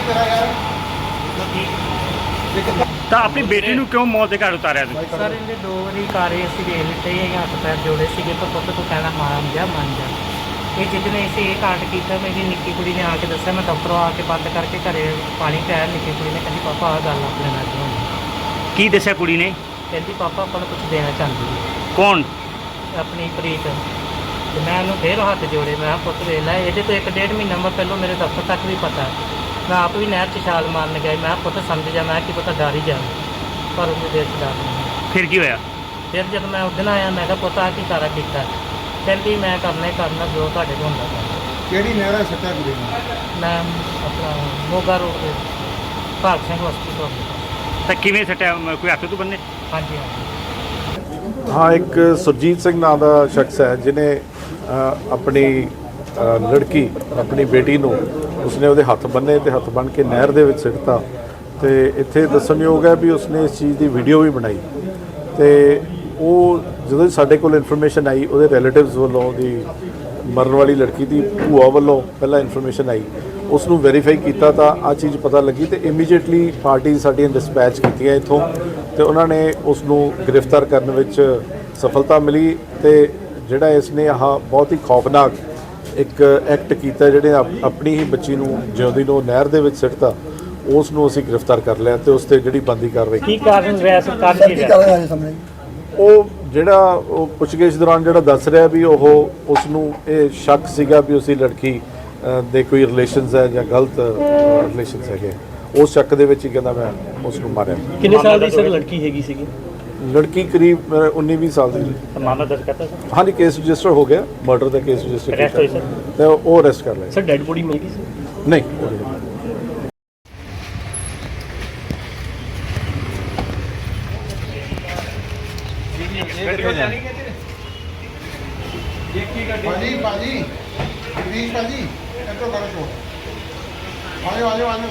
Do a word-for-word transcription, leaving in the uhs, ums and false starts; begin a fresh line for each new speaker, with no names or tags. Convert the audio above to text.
ਤਾਂ ਆਪਣੀ ਬੇਟੀ ਨੂੰ ਕਿਉਂ ਮੌਤ ਦੇ ਘਾਟ ਉਤਾਰਿਆ ਤੁਸੀਂ?
ਸਰ ਇਹਦੇ ਦੋ ਵਾਰੀ ਕਾਰੇ ਅਸੀਂ ਵੇਖ ਲਿੱਤੇ ਇਹ ਹੱਥ ਪੈਰ ਜੋੜੇ ਸੀਗੇ ਪਰ ਪੁੱਤ ਤੂੰ ਕਹਿਣਾ ਮੰਨ ਜਾ ਮੰਨ ਜਾ। ਇਹ ਜਿੱਦਨੇ ਅਸੀਂ ਇਹ ਕਾਂਡ ਕੀਤਾ ਮੇਰੀ ਨਿੱਕੀ ਕੁੜੀ ਨੇ ਆ ਕੇ ਦੱਸਿਆ, ਮੈਂ ਦਫ਼ਤਰੋਂ ਆ ਕੇ ਬੰਦ ਕਰਕੇ ਘਰੇ ਪਾਣੀ ਪਿਆਇਆ। ਨਿੱਕੀ ਕੁੜੀ ਨੇ ਕਹਿੰਦੀ ਪਾਪਾ ਆਹ ਗੱਲ ਆਪਣੇ ਨਾਲ ਹੋਈ।
ਕੀ ਦੱਸਿਆ ਕੁੜੀ ਨੇ?
ਕਹਿੰਦੀ ਪਾਪਾ ਆਪਾਂ ਨੂੰ ਕੁਝ ਦੇਣਾ ਚਾਹੁੰਦੀ ਹੈ।
ਕੌਣ?
ਆਪਣੀ ਪ੍ਰੀਤ। ਤੇ ਮੈਂ ਉਹਨੂੰ ਫਿਰ ਹੱਥ ਜੋੜੇ, ਮੈਂ ਕਿਹਾ ਪੁੱਤ ਵੇਖ ਲੈ ਇਹਦੇ ਤੋਂ ਇੱਕ ਡੇਢ ਮਹੀਨਾ ਮੈਂ ਪਹਿਲਾਂ ਮੇਰੇ ਦਫ਼ਤਰ ਤੱਕ ਵੀ ਪਤਾ, ਮੈਂ ਆਪ ਵੀ ਨਹਿਰ 'ਚ ਛਾਲ ਮਾਰਨ ਗਿਆ। ਮੈਂ ਕਿਹਾ ਪੁੱਤ ਸਮਝ ਜਾ, ਮੈਂ ਕਿ ਪਤਾ ਡਰ ਹੀ ਜਾ, ਪਰ ਉਹਦੇ ਦਿਲ 'ਚ ਡਰ ਨਹੀਂ।
ਫਿਰ ਕੀ ਹੋਇਆ?
ਫਿਰ ਜਦੋਂ ਮੈਂ ਉਸ ਦਿਨ ਆਇਆ ਮੈਂ ਕਿਹਾ ਪੁੱਤ ਆਹ ਕੀ ਸਾਰਾ ਕੀਤਾ? ਕਹਿੰਦੀ ਮੈਂ ਕਰਨਾ ਹੀ ਕਰਨਾ ਜੋ ਤੁਹਾਡੇ ਕੋਲ ਹੁੰਦਾ ਕਰਨਾ।
ਕਿਹੜੀ ਨਹਿਰਾ ਸੱਟਾ ਕੁੜੀ ਨੂੰ?
ਮੈਂ ਆਪਣਾ ਮੋਗਾ ਰੋਡ ਤੇ ਭਾਗ ਸਿੰਘ ਹਸਪੀਟਲ।
ਤਾਂ ਕਿਵੇਂ ਸੱਟਿਆ? ਕੋਈ ਹੱਥ ਤੋਂ ਬੰਨੇ?
ਹਾਂਜੀ ਹਾਂਜੀ।
ਹਾਂ, ਇੱਕ ਸੁਰਜੀਤ ਸਿੰਘ ਨਾਂ ਦਾ ਸ਼ਖਸ ਹੈ ਜਿਹਨੇ ਅ, ਆਪਣੀ ਅ, ਲੜਕੀ ਆਪਣੀ ਬੇਟੀ ਨੂੰ ਉਸਨੇ ਉਹਦੇ ਹੱਥ ਬੰਨੇ ਤੇ ਹੱਥ ਬੰਨ੍ਹ ਕੇ ਨਹਿਰ ਦੇ ਵਿੱਚ ਸਿੱਟਤਾ। ਤੇ ਇੱਥੇ ਦੱਸਣਯੋਗ ਹੈ ਵੀ ਉਸਨੇ ਇਸ ਚੀਜ਼ ਦੀ ਵੀਡੀਓ ਵੀ ਬਣਾਈ। ਤੇ ਉਹ ਜਦੋਂ ਸਾਡੇ ਕੋਲ ਇਨਫੋਰਮੇਸ਼ਨ ਆਈ, ਉਹਦੇ ਰਿਲੇਟਿਵਸ ਵੱਲੋਂ ਉਹਦੀ ਮਰਨ ਵਾਲੀ ਲੜਕੀ ਦੀ ਭੂਆ ਵੱਲੋਂ ਪਹਿਲਾਂ ਇਨਫੋਰਮੇਸ਼ਨ ਆਈ, ਉਸ ਨੂੰ ਵੈਰੀਫਾਈ ਕੀਤਾ ਤਾਂ ਆਹ ਚੀਜ਼ ਪਤਾ ਲੱਗੀ ਤੇ ਇਮੀਡੀਏਟਲੀ ਪਾਰਟੀ ਸਾਡੀਆਂ ਡਿਸਪੈਚ ਕੀਤੀਆਂ ਇੱਥੋਂ ਤੇ ਉਹਨਾਂ ਨੇ ਉਸ ਨੂੰ ਗ੍ਰਿਫਤਾਰ ਕਰਨ ਵਿੱਚ ਸਫਲਤਾ ਮਿਲੀ। ਤੇ ਜਿਹੜਾ ਇਸ ਨੇ ਆਹ ਬਹੁਤ ਹੀ ਖੌਫਨਾਕ ਇੱਕ ਐਕਟ ਕੀਤਾ, ਜਿਹੜੇ ਆਪਣੀ ਹੀ ਬੱਚੀ ਨੂੰ ਜਿਉਂਦੀ ਨੂੰ ਨਹਿਰ ਦੇ ਵਿੱਚ ਸਿੱਟਤਾ, ਉਸ ਨੂੰ ਅਸੀਂ ਗ੍ਰਿਫਤਾਰ ਕਰ ਲਿਆ ਤੇ ਉਸ 'ਤੇ ਜਿਹੜੀ ਬਣਦੀ ਕਾਰਵਾਈ
ਕੀ ਕਾਰਨ ਰਿਹਾ ਸਰਕਾਰ ਦੀ?
ਉਹ ਜਿਹੜਾ ਉਹ ਪੁੱਛਗਿੱਛ ਦੌਰਾਨ ਜਿਹੜਾ ਦੱਸ ਰਿਹਾ ਵੀ ਉਹ ਉਸ ਨੂੰ ਇਹ ਸ਼ੱਕ ਸੀਗਾ ਵੀ ਉਸਦੀ ਲੜਕੀ ਦੇ ਕੋਈ ਰਿਲੇਸ਼ਨਸ ਹੈ ਜਾਂ ਗਲਤ ਰਿਲੇਸ਼ਨਸ ਹੈਗੇ। ਉਸ ਸ਼ੱਕ ਦੇ ਵਿੱਚ ਹੀ ਕਹਿੰਦਾ ਮੈਂ ਉਸ ਨੂੰ ਮਾਰਿਆ।
ਕਿੰਨੇ ਸਾਲ ਦੀ ਸਰ ਲੜਕੀ ਹੈਗੀ ਸੀਗੀ?
ਲੜਕੀ ਕਰੀਬ ਉੱਨੀ ਵੀਹ ਸਾਲ ਦੀ।
ਮਾਮਲਾ ਦਰਜ ਕਰਤਾ ਸਰ?
ਹਾਂਜੀ, ਕੇਸ ਰਜਿਸਟਰ ਹੋ ਗਿਆ, ਮਰਡਰ ਦਾ ਕੇਸ ਰਜਿਸਟਰ
ਅਰੈਸਟ ਹੋਈ ਸਰ?
ਤੇ ਉਹ ਅਰੈਸਟ ਕਰ ਲਿਆ
ਸਰ ਡੈਡ ਬੋਡੀ ਮਿਲ ਗਈ ਸੀ?
ਨਹੀਂ।
ਭਾਜੀ ਭਾਜੀ ਜਗਦੀਸ਼ ਭਾਜੀ ਇੱਧਰੋਂ ਕਰੋ ਸ਼ੋ। ਆਜੋ ਆਜੋ ਆਜੋ।